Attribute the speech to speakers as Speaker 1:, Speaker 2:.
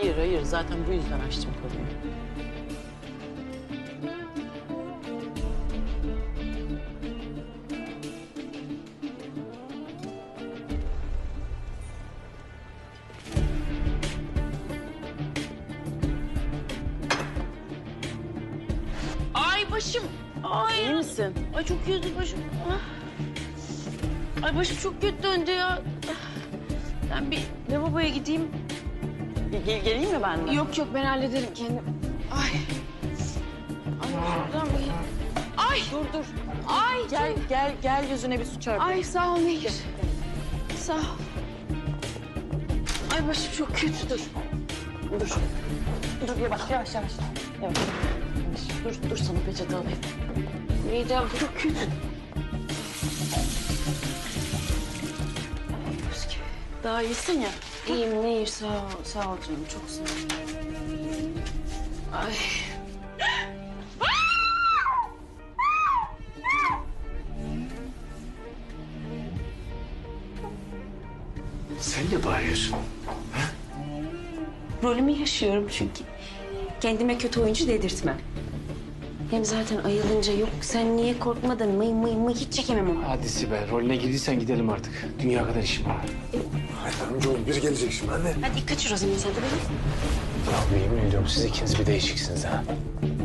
Speaker 1: Hayır. Zaten bu yüzden açtım konuyu. Ay başım. Ay. İyi misin? Ay çok kötü başım. Ah. Ay başım çok kötü döndü ya. Ben bir lavaboya gideyim. Geleyim mi ben de? Yok ben hallederim kendim. Ay. Ay şuradan bir... Ay. Dur. Ay. Gel yüzüne bir su çarpı. Ay sağ ol Nehir. Sağ ol. Ay başım çok kötü dur. Dur yavaş. Dur sana peçete alayım. Midem çok kötü. Daha iyisin ya. İyiyim Nehir sağ ol canım çok sağ ol. Ay.
Speaker 2: Sen ne bağırıyorsun?
Speaker 3: Rolümü yaşıyorum çünkü. Kendime kötü oyuncu dedirtmem. Hem zaten ayılınca yok sen niye korkmadın mıy hiç çekemem onu.
Speaker 2: Hadi Sibel, rolüne girdiysen gidelim artık. Dünya kadar işim var.
Speaker 4: Hayır amcaoğlu biri gelecek şimdi anne.
Speaker 3: Hadi kaçır o zaman sen de beni.
Speaker 2: Ya yemin ediyorum siz ikiniz bir değişiksiniz ha.